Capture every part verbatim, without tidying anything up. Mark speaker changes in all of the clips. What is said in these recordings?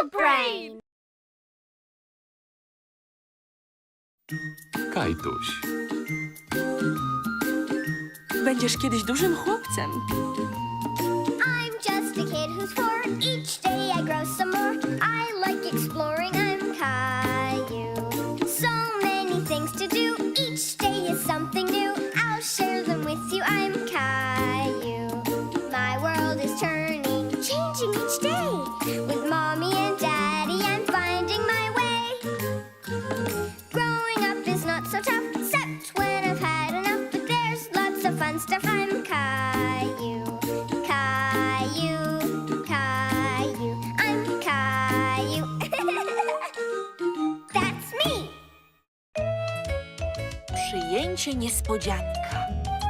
Speaker 1: Dog Brain!
Speaker 2: Kajtuś.
Speaker 3: Będziesz kiedyś dużym chłopcem.
Speaker 1: I'm just a kid who's four. Each day I grow some more. I like exploring. I'm Caillou. So many things to do. Each day is something new. I'll share them with you. I'm Caillou. My world is turning, changing each day. With mommy and daddy, I'm finding my way. Growing up is not so tough, except when I've had enough. But there's lots of fun stuff. I'm Caillou. Caillou, Caillou, I'm Caillou. That's me.
Speaker 3: Przyjęcie niespodzianka.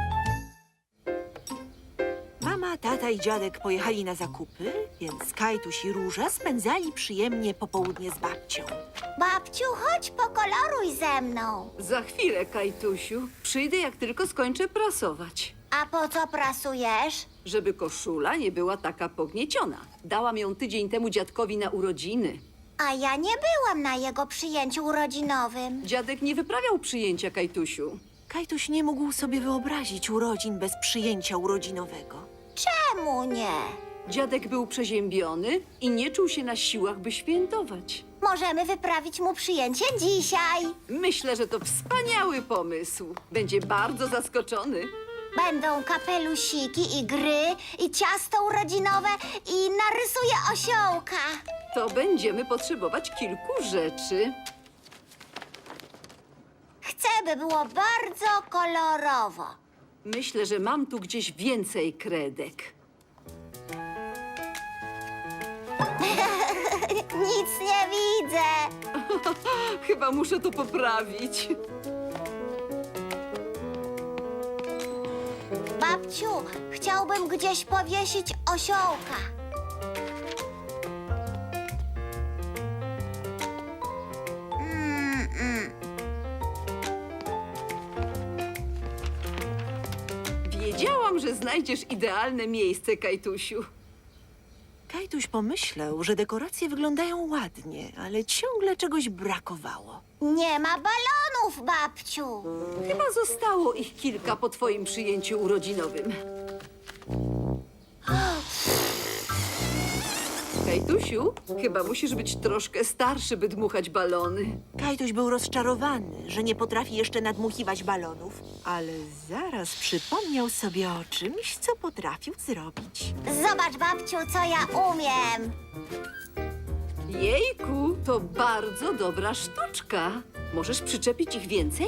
Speaker 3: Mama, tata i dziadek pojechali na zakupy, więc Kajtuś i Róża spędzali przyjemnie popołudnie z babcią.
Speaker 1: Babciu, chodź pokoloruj ze mną.
Speaker 4: Za chwilę, Kajtusiu. Przyjdę, jak tylko skończę prasować.
Speaker 1: A po co prasujesz?
Speaker 4: Żeby koszula nie była taka pognieciona. Dałam ją tydzień temu dziadkowi na urodziny.
Speaker 1: A ja nie byłam na jego przyjęciu urodzinowym.
Speaker 4: Dziadek nie wyprawiał przyjęcia, Kajtusiu.
Speaker 3: Kajtuś nie mógł sobie wyobrazić urodzin bez przyjęcia urodzinowego.
Speaker 1: Czemu nie?
Speaker 4: Dziadek był przeziębiony i nie czuł się na siłach, by świętować.
Speaker 1: Możemy wyprawić mu przyjęcie dzisiaj.
Speaker 4: Myślę, że to wspaniały pomysł. Będzie bardzo zaskoczony.
Speaker 1: Będą kapelusiki i gry, i ciasto urodzinowe, i narysuję osiołka.
Speaker 4: To będziemy potrzebować kilku rzeczy.
Speaker 1: Chcę, by było bardzo kolorowo.
Speaker 4: Myślę, że mam tu gdzieś więcej kredek.
Speaker 1: Nic nie widzę.
Speaker 4: Chyba muszę to poprawić.
Speaker 1: Babciu, chciałbym gdzieś powiesić osiołka. Mm, mm.
Speaker 4: Wiedziałam, że znajdziesz idealne miejsce, Kajtusiu.
Speaker 3: Kajtuś pomyślał, że dekoracje wyglądają ładnie, ale ciągle czegoś brakowało.
Speaker 1: Nie ma balonów, babciu.
Speaker 4: Chyba zostało ich kilka po twoim przyjęciu urodzinowym. Kajtusiu, chyba musisz być troszkę starszy, by dmuchać balony.
Speaker 3: Kajtuś był rozczarowany, że nie potrafi jeszcze nadmuchiwać balonów, ale zaraz przypomniał sobie o czymś, co potrafił zrobić.
Speaker 1: Zobacz, babciu, co ja umiem.
Speaker 4: Jejku, to bardzo dobra sztuczka. Możesz przyczepić ich więcej?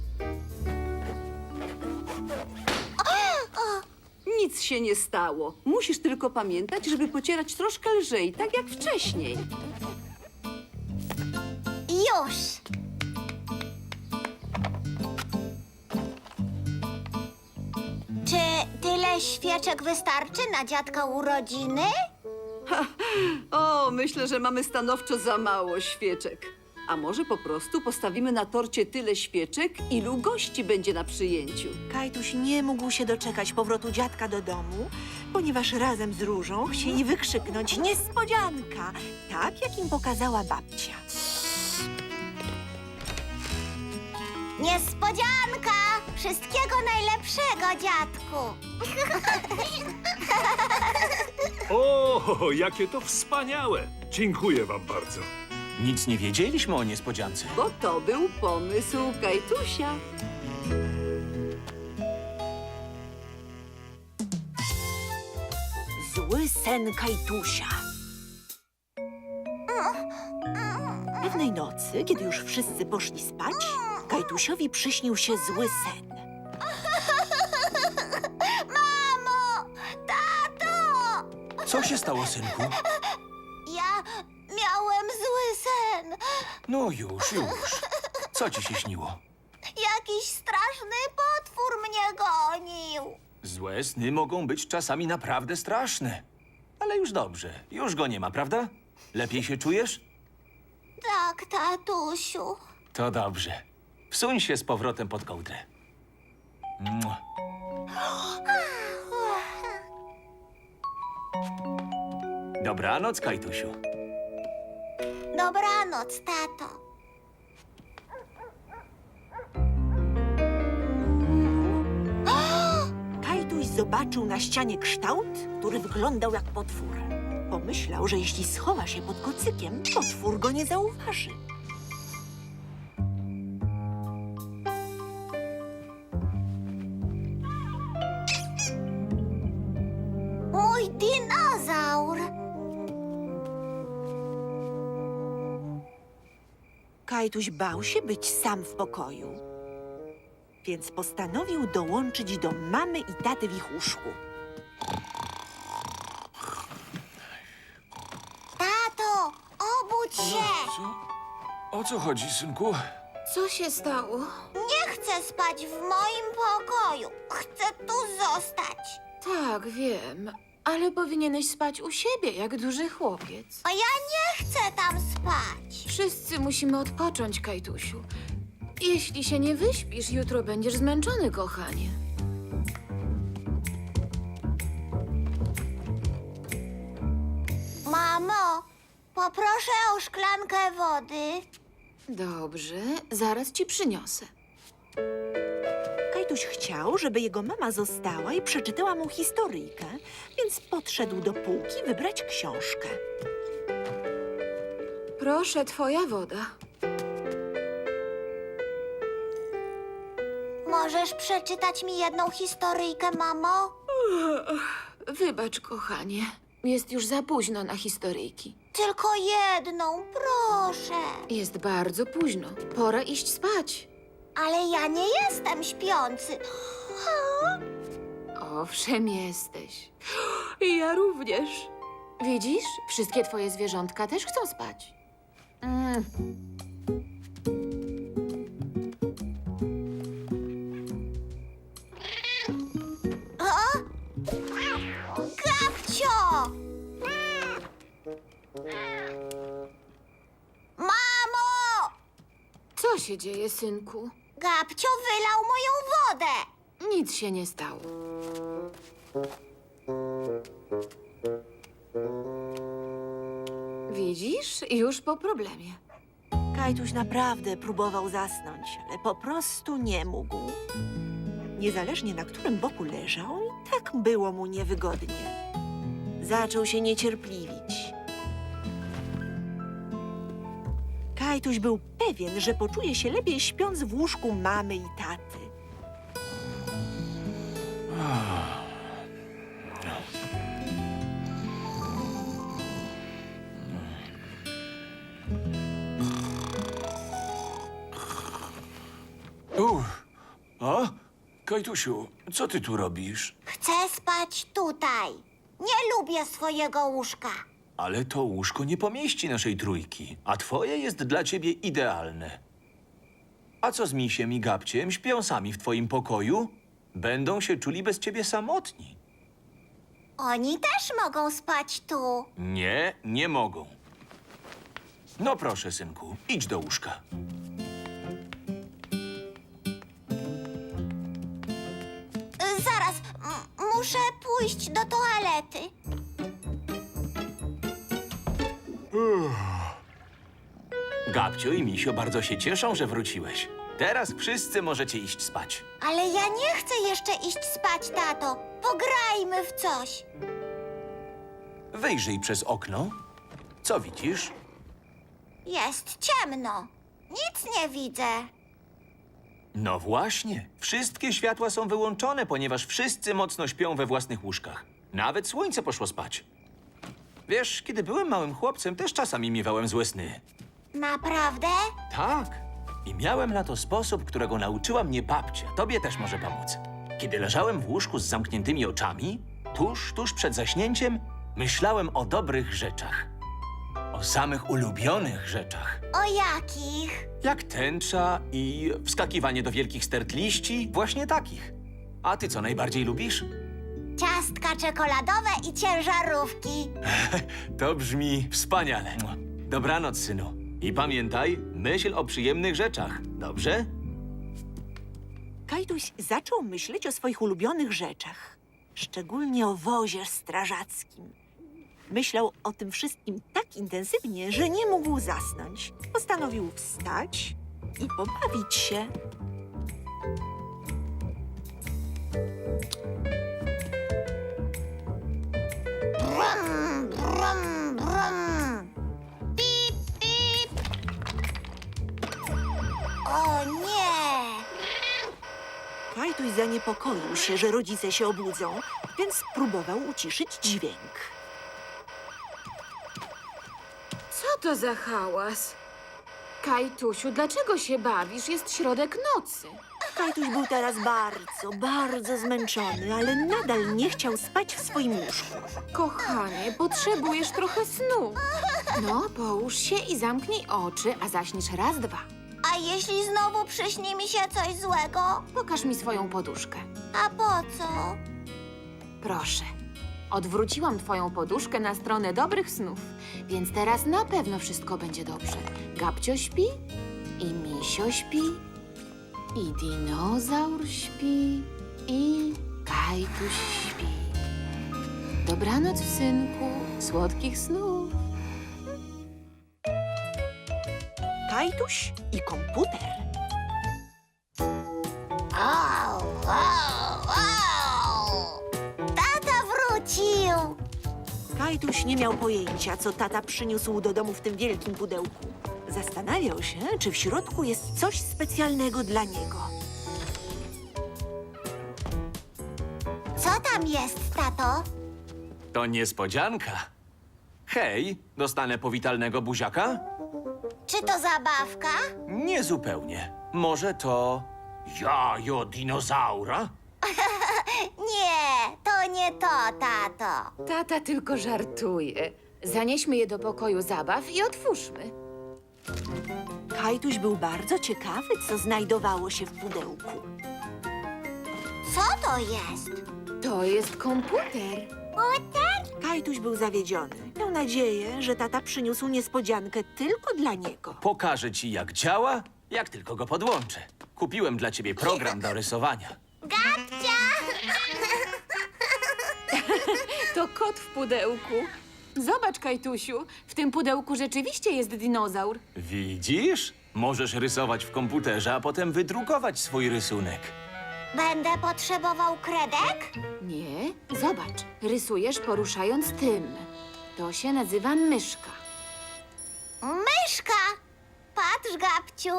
Speaker 4: Nic się nie stało. Musisz tylko pamiętać, żeby pocierać troszkę lżej, tak jak wcześniej.
Speaker 1: Już. Czy tyle świeczek wystarczy na dziadka urodziny?
Speaker 4: O, myślę, że mamy stanowczo za mało świeczek. A może po prostu postawimy na torcie tyle świeczek, ilu gości będzie na przyjęciu.
Speaker 3: Kajtuś nie mógł się doczekać powrotu dziadka do domu, ponieważ razem z Różą chcieli wykrzyknąć niespodzianka, tak jak im pokazała babcia.
Speaker 1: Niespodzianka! Wszystkiego najlepszego, dziadku!
Speaker 5: O, jakie to wspaniałe! Dziękuję wam bardzo.
Speaker 2: Nic nie wiedzieliśmy o niespodziance.
Speaker 4: Bo to był pomysł Kajtusia.
Speaker 3: Zły sen Kajtusia. Pewnej nocy, kiedy już wszyscy poszli spać, Kajtusiowi przyśnił się zły sen.
Speaker 1: Mamo! Tato!
Speaker 2: Co się stało, synku?
Speaker 1: Ja miałem zły sen.
Speaker 2: No już, już. Co ci się śniło?
Speaker 1: Jakiś straszny potwór mnie gonił.
Speaker 2: Złe sny mogą być czasami naprawdę straszne. Ale już dobrze. Już go nie ma, prawda? Lepiej się czujesz?
Speaker 1: Tak, tatusiu.
Speaker 2: To dobrze. Wsuń się z powrotem pod kołdrę. Mua. Dobranoc, Kajtusiu.
Speaker 1: Dobranoc, tato.
Speaker 3: Kajtuś zobaczył na ścianie kształt, który wyglądał jak potwór. Pomyślał, że jeśli schowa się pod kocykiem, potwór go nie zauważy.
Speaker 1: Mój dinozaur.
Speaker 3: Kajtuś bał się być sam w pokoju, więc postanowił dołączyć do mamy i taty w ich łóżku.
Speaker 1: Tato, obudź się.
Speaker 2: Co? O co chodzi, synku?
Speaker 6: Co się stało?
Speaker 1: Nie chcę spać w moim pokoju. Chcę tu zostać.
Speaker 6: Tak, wiem, ale powinieneś spać u siebie, jak duży chłopiec.
Speaker 1: A ja nie chcę tam spać.
Speaker 6: Wszyscy musimy odpocząć, Kajtusiu. Jeśli się nie wyśpisz, jutro będziesz zmęczony, kochanie.
Speaker 1: Mamo, poproszę o szklankę wody.
Speaker 6: Dobrze, zaraz ci przyniosę.
Speaker 3: Kajtuś chciał, żeby jego mama została i przeczytała mu historyjkę, więc podszedł do półki wybrać książkę.
Speaker 6: Proszę, twoja woda.
Speaker 1: Możesz przeczytać mi jedną historyjkę, mamo?
Speaker 6: Wybacz, kochanie. Jest już za późno na historyjki.
Speaker 1: Tylko jedną, proszę.
Speaker 6: Jest bardzo późno. Pora iść spać.
Speaker 1: Ale ja nie jestem śpiący.
Speaker 6: Owszem, jesteś. I ja również. Widzisz? Wszystkie twoje zwierzątka też chcą spać. Mm.
Speaker 1: O? Gabcio! Mamo!
Speaker 6: Co się dzieje, synku?
Speaker 1: Gabcio wylał moją wodę.
Speaker 6: Nic się nie stało. Widzisz? Już po problemie.
Speaker 3: Kajtuś naprawdę próbował zasnąć, ale po prostu nie mógł. Niezależnie na którym boku leżał, i tak było mu niewygodnie. Zaczął się niecierpliwić. Kajtuś był pewien, że poczuje się lepiej śpiąc w łóżku mamy i taty.
Speaker 2: Uff. A? Kajtusiu, co ty tu robisz?
Speaker 1: Chcę spać tutaj. Nie lubię swojego łóżka.
Speaker 2: Ale to łóżko nie pomieści naszej trójki, a twoje jest dla ciebie idealne. A co z misiem i gabciem? Śpią sami w twoim pokoju? Będą się czuli bez ciebie samotni.
Speaker 1: Oni też mogą spać tu.
Speaker 2: Nie, nie mogą. No proszę, synku, idź do łóżka.
Speaker 1: Y, Zaraz, m- muszę pójść do toalety.
Speaker 2: Gabcio i misio bardzo się cieszą, że wróciłeś. Teraz wszyscy możecie iść spać.
Speaker 1: Ale ja nie chcę jeszcze iść spać, tato. Pograjmy w coś.
Speaker 2: Wyjrzyj przez okno. Co widzisz?
Speaker 1: Jest ciemno. Nic nie widzę.
Speaker 2: No właśnie. Wszystkie światła są wyłączone, ponieważ wszyscy mocno śpią we własnych łóżkach. Nawet słońce poszło spać. Wiesz, kiedy byłem małym chłopcem, też czasami miewałem złe sny.
Speaker 1: Naprawdę?
Speaker 2: Tak. I miałem na to sposób, którego nauczyła mnie babcia. Tobie też może pomóc. Kiedy leżałem w łóżku z zamkniętymi oczami, tuż, tuż przed zaśnięciem, myślałem o dobrych rzeczach. O samych ulubionych rzeczach.
Speaker 1: O jakich?
Speaker 2: Jak tęcza i wskakiwanie do wielkich stert liści, właśnie takich. A ty co najbardziej lubisz?
Speaker 1: Ciastka czekoladowe i ciężarówki.
Speaker 2: To brzmi wspaniale. Dobranoc, synu. I pamiętaj, myśl o przyjemnych rzeczach, dobrze?
Speaker 3: Kajtuś zaczął myśleć o swoich ulubionych rzeczach, szczególnie o wozie strażackim. Myślał o tym wszystkim tak intensywnie, że nie mógł zasnąć. Postanowił wstać i pobawić się.
Speaker 1: Brum, brum, brum. Pip, pip. O nie!
Speaker 3: Kajtuś zaniepokoił się, że rodzice się obudzą, więc spróbował uciszyć dźwięk.
Speaker 6: Co to za hałas? Kajtusiu, dlaczego się bawisz? Jest środek nocy.
Speaker 3: Kajtuś był teraz bardzo, bardzo zmęczony, ale nadal nie chciał spać w swoim łóżku.
Speaker 6: Kochanie, potrzebujesz trochę snu. No, połóż się i zamknij oczy, a zaśniesz raz, dwa.
Speaker 1: A jeśli znowu przyśni mi się coś złego?
Speaker 6: Pokaż mi swoją poduszkę.
Speaker 1: A po co?
Speaker 6: Proszę. Odwróciłam twoją poduszkę na stronę dobrych snów, więc teraz na pewno wszystko będzie dobrze. Gabcio śpi, i Misio śpi, i dinozaur śpi, i Kajtuś śpi. Dobranoc, synku, słodkich snów.
Speaker 3: Kajtuś i komputer.
Speaker 1: Au, au, au. Tata wrócił!
Speaker 3: Kajtuś nie miał pojęcia, co tata przyniósł do domu w tym wielkim pudełku. Zastanawiał się, czy w środku jest coś specjalnego dla niego.
Speaker 1: Co tam jest, tato?
Speaker 2: To niespodzianka. Hej, dostanę powitalnego buziaka?
Speaker 1: Czy to zabawka?
Speaker 2: Nie zupełnie. Może to jajo dinozaura?
Speaker 1: Nie, to nie to, tato.
Speaker 6: Tata tylko żartuje. Zanieśmy je do pokoju zabaw i otwórzmy.
Speaker 3: Kajtuś był bardzo ciekawy, co znajdowało się w pudełku.
Speaker 1: Co to jest?
Speaker 6: To jest komputer.
Speaker 1: Komputer?
Speaker 3: Kajtuś był zawiedziony. Miał nadzieję, że tata przyniósł niespodziankę tylko dla niego.
Speaker 2: Pokażę ci, jak działa, jak tylko go podłączę. Kupiłem dla ciebie program do rysowania.
Speaker 1: Gabcia!
Speaker 6: To kot w pudełku. Zobacz, Kajtusiu, w tym pudełku rzeczywiście jest dinozaur.
Speaker 2: Widzisz? Możesz rysować w komputerze, a potem wydrukować swój rysunek.
Speaker 1: Będę potrzebował kredek?
Speaker 6: Nie, zobacz, rysujesz poruszając tym. To się nazywa myszka.
Speaker 1: Myszka! Patrz, Gabciu.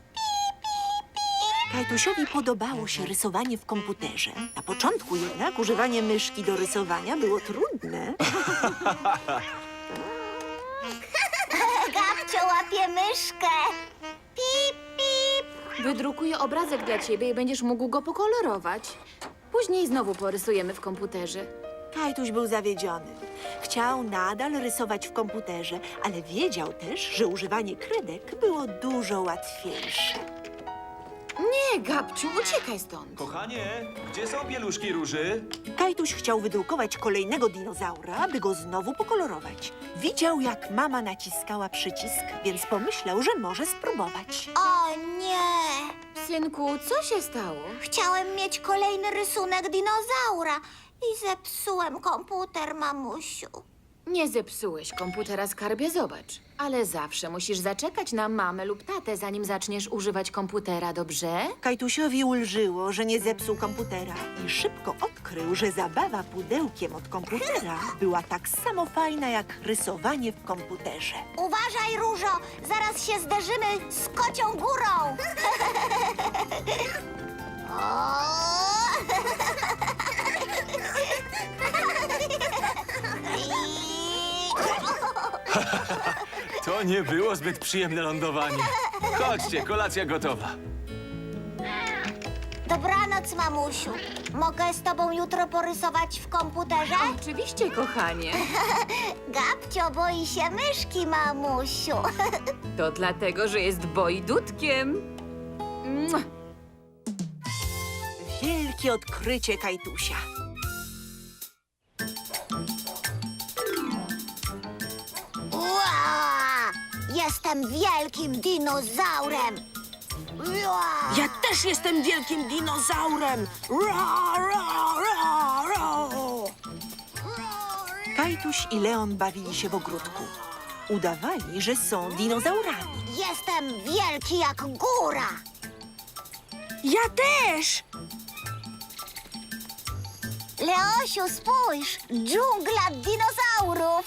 Speaker 3: Kajtusiowi podobało się rysowanie w komputerze. Na początku jednak używanie myszki do rysowania było trudne.
Speaker 1: Gabcio łapie myszkę. Pip, pip.
Speaker 6: Wydrukuję obrazek dla ciebie i będziesz mógł go pokolorować. Później znowu porysujemy w komputerze.
Speaker 3: Kajtuś był zawiedziony. Chciał nadal rysować w komputerze, ale wiedział też, że używanie kredek było dużo łatwiejsze.
Speaker 6: Nie, Gabciu, uciekaj stąd.
Speaker 2: Kochanie, gdzie są pieluszki róży?
Speaker 3: Kajtuś chciał wydrukować kolejnego dinozaura, by go znowu pokolorować. Widział, jak mama naciskała przycisk, więc pomyślał, że może spróbować.
Speaker 1: O nie!
Speaker 6: Synku, co się stało?
Speaker 1: Chciałem mieć kolejny rysunek dinozaura i zepsułem komputer, mamusiu.
Speaker 6: Nie zepsułeś komputera, skarbie, zobacz. Ale zawsze musisz zaczekać na mamę lub tatę, zanim zaczniesz używać komputera, dobrze?
Speaker 3: Kajtusiowi ulżyło, że nie zepsuł komputera i szybko odkrył, że zabawa pudełkiem od komputera była tak samo fajna jak rysowanie w komputerze.
Speaker 1: Uważaj, Różo, zaraz się zderzymy z kocią górą. O!
Speaker 2: To nie było zbyt przyjemne lądowanie. Chodźcie, kolacja gotowa.
Speaker 1: Dobranoc, mamusiu. Mogę z tobą jutro porysować w komputerze?
Speaker 6: Oczywiście, kochanie.
Speaker 1: Gabcio boi się myszki, mamusiu.
Speaker 6: To dlatego, że jest bojdutkiem. Mua.
Speaker 3: Wielkie odkrycie Kajtusia.
Speaker 1: Ua! Jestem wielkim dinozaurem. Ua!
Speaker 3: Ja też jestem wielkim dinozaurem! Ra, ra, ra, ra. Kajtuś i Leon bawili się w ogródku. Udawali, że są dinozaurami.
Speaker 1: Jestem wielki jak góra.
Speaker 7: Ja też!
Speaker 1: Leosiu, spójrz! Dżungla dinozaurów!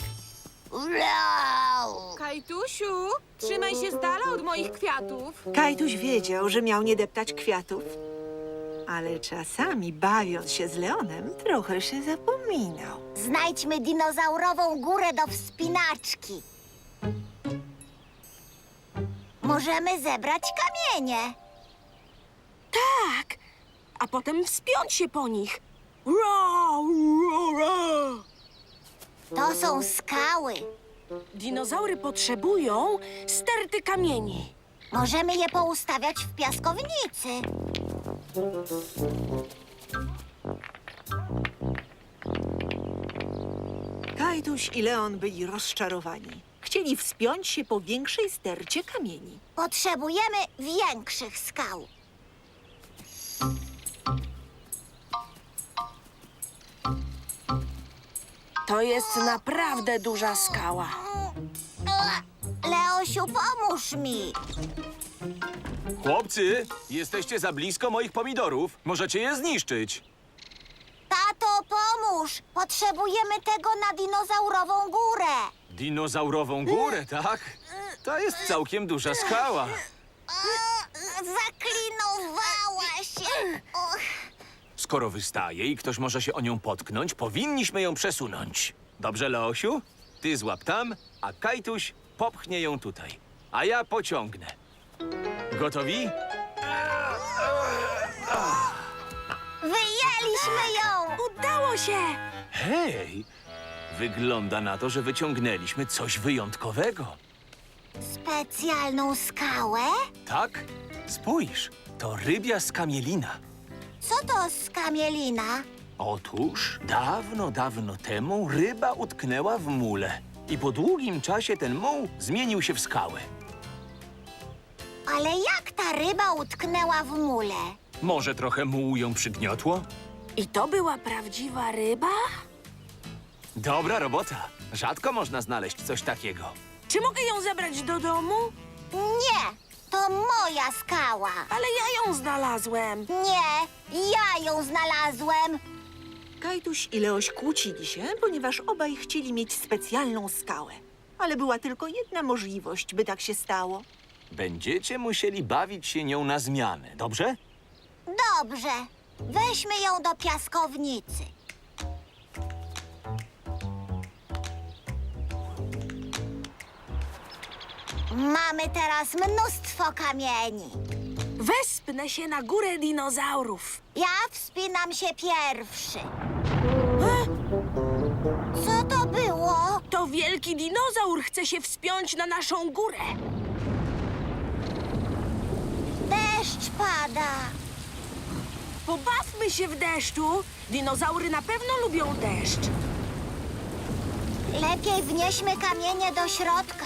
Speaker 1: Wow!
Speaker 6: Kajtusiu, trzymaj się z dala od moich kwiatów.
Speaker 3: Kajtuś wiedział, że miał nie deptać kwiatów. Ale czasami, bawiąc się z Leonem, trochę się zapominał.
Speaker 1: Znajdźmy dinozaurową górę do wspinaczki. Możemy zebrać kamienie.
Speaker 7: Tak! A potem wspiąć się po nich. Ra, ra, ra.
Speaker 1: To są skały.
Speaker 7: Dinozaury potrzebują sterty kamieni.
Speaker 1: Możemy je poustawiać w piaskownicy.
Speaker 3: Kajtuś i Leon byli rozczarowani. Chcieli wspiąć się po większej stercie kamieni.
Speaker 1: Potrzebujemy większych skał.
Speaker 7: To jest naprawdę duża skała.
Speaker 1: Leosiu, pomóż mi.
Speaker 2: Chłopcy, jesteście za blisko moich pomidorów. Możecie je zniszczyć.
Speaker 1: Tato, pomóż. Potrzebujemy tego na dinozaurową górę.
Speaker 2: Dinozaurową górę, tak? To jest całkiem duża skała.
Speaker 1: Zaklinowała się. Och.
Speaker 2: Skoro wystaje i ktoś może się o nią potknąć, powinniśmy ją przesunąć. Dobrze, Leosiu? Ty złap tam, a Kajtuś popchnie ją tutaj. A ja pociągnę. Gotowi?
Speaker 1: Wyjęliśmy ją.
Speaker 7: Udało się!
Speaker 2: Hej! Wygląda na to, że wyciągnęliśmy coś wyjątkowego.
Speaker 1: Specjalną skałę?
Speaker 2: Tak? Spójrz, to rybia skamielina.
Speaker 1: Co to skamielina?
Speaker 2: Otóż dawno, dawno temu ryba utknęła w mule. I po długim czasie ten muł zmienił się w skałę.
Speaker 1: Ale jak ta ryba utknęła w mule?
Speaker 2: Może trochę muł ją przygniotło?
Speaker 7: I to była prawdziwa ryba?
Speaker 2: Dobra robota. Rzadko można znaleźć coś takiego.
Speaker 7: Czy mogę ją zabrać do domu?
Speaker 1: Nie, to moja skała.
Speaker 7: Ale ja ją znalazłem.
Speaker 1: Nie, ja ją znalazłem.
Speaker 3: Kajtuś i Leoś kłócili się, ponieważ obaj chcieli mieć specjalną skałę. Ale była tylko jedna możliwość, by tak się stało.
Speaker 2: Będziecie musieli bawić się nią na zmianę, dobrze?
Speaker 1: Dobrze, weźmy ją do piaskownicy. Mamy teraz mnóstwo kamieni.
Speaker 7: Wespnę się na górę dinozaurów.
Speaker 1: Ja wspinam się pierwszy. Co to było?
Speaker 7: To wielki dinozaur chce się wspiąć na naszą górę.
Speaker 1: Deszcz pada.
Speaker 7: Pobawmy się w deszczu. Dinozaury na pewno lubią deszcz.
Speaker 1: Lepiej wnieśmy kamienie do środka.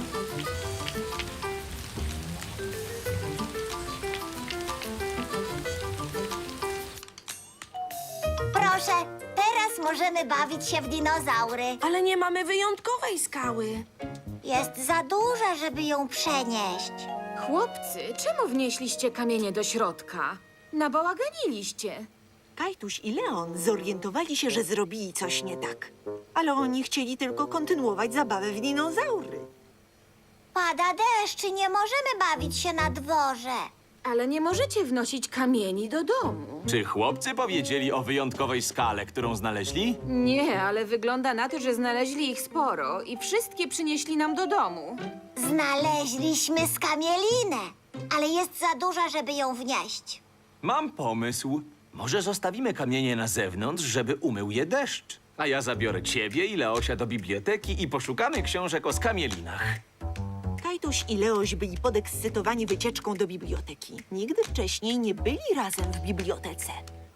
Speaker 1: Proszę, teraz możemy bawić się w dinozaury.
Speaker 7: Ale nie mamy wyjątkowej skały.
Speaker 1: Jest za duża, żeby ją przenieść.
Speaker 6: Chłopcy, czemu wnieśliście kamienie do środka? Nabałaganiliście.
Speaker 3: Kajtuś i Leon zorientowali się, że zrobili coś nie tak. Ale oni chcieli tylko kontynuować zabawę w dinozaury.
Speaker 1: Pada deszcz i nie możemy bawić się na dworze.
Speaker 6: Ale nie możecie wnosić kamieni do domu.
Speaker 2: Czy chłopcy powiedzieli o wyjątkowej skale, którą znaleźli?
Speaker 6: Nie, ale wygląda na to, że znaleźli ich sporo i wszystkie przynieśli nam do domu.
Speaker 1: Znaleźliśmy skamielinę, ale jest za duża, żeby ją wnieść.
Speaker 2: Mam pomysł. Może zostawimy kamienie na zewnątrz, żeby umył je deszcz. A ja zabiorę ciebie i Leosia do biblioteki i poszukamy książek o skamielinach.
Speaker 3: Kajtuś i Leoś byli podekscytowani wycieczką do biblioteki. Nigdy wcześniej nie byli razem w bibliotece.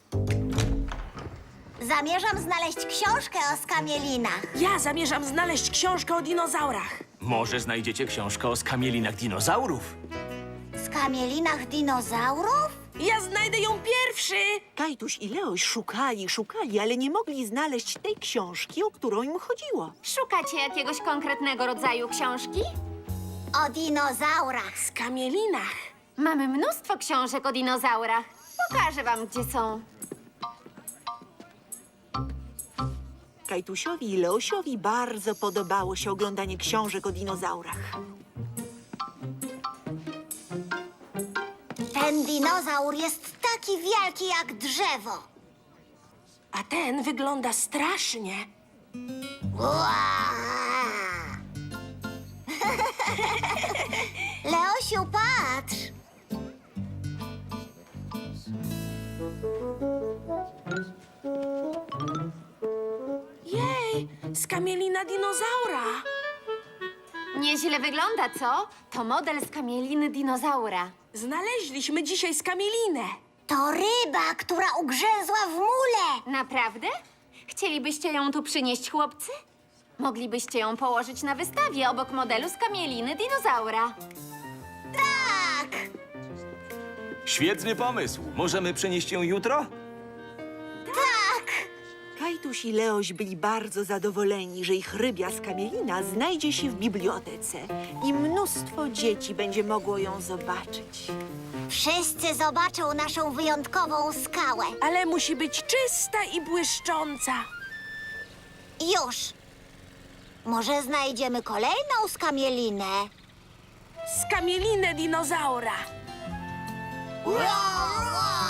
Speaker 1: Zamierzam znaleźć książkę o skamielinach.
Speaker 7: Ja zamierzam znaleźć książkę o dinozaurach.
Speaker 2: Może znajdziecie książkę o skamielinach dinozaurów?
Speaker 1: Skamielinach dinozaurów?
Speaker 7: Ja znajdę ją pierwszy!
Speaker 3: Kajtuś i Leoś szukali, szukali, ale nie mogli znaleźć tej książki, o którą im chodziło.
Speaker 1: Szukacie jakiegoś konkretnego rodzaju książki? O dinozaurach.
Speaker 7: Z kamielinach.
Speaker 1: Mamy mnóstwo książek o dinozaurach. Pokażę wam, gdzie są.
Speaker 3: Kajtusiowi i Leosiowi bardzo podobało się oglądanie książek o dinozaurach.
Speaker 1: Ten dinozaur jest taki wielki jak drzewo.
Speaker 7: A ten wygląda strasznie.
Speaker 1: Leosiu, patrz!
Speaker 7: Jej, skamielina dinozaura.
Speaker 1: Nieźle wygląda, co? To model z kamieliny dinozaura.
Speaker 7: Znaleźliśmy dzisiaj skamielinę.
Speaker 1: To ryba, która ugrzęzła w mule. Naprawdę? Chcielibyście ją tu przynieść, chłopcy? Moglibyście ją położyć na wystawie obok modelu z kamieliny dinozaura. Tak!
Speaker 2: Świetny pomysł. Możemy przynieść ją jutro?
Speaker 1: Tak!
Speaker 3: Kajtuś i Leoś byli bardzo zadowoleni, że ich rybia skamielina znajdzie się w bibliotece i mnóstwo dzieci będzie mogło ją zobaczyć.
Speaker 1: Wszyscy zobaczą naszą wyjątkową skałę.
Speaker 7: Ale musi być czysta i błyszcząca.
Speaker 1: Już! Może znajdziemy kolejną skamielinę?
Speaker 7: Skamielinę dinozaura.
Speaker 1: Wow, wow.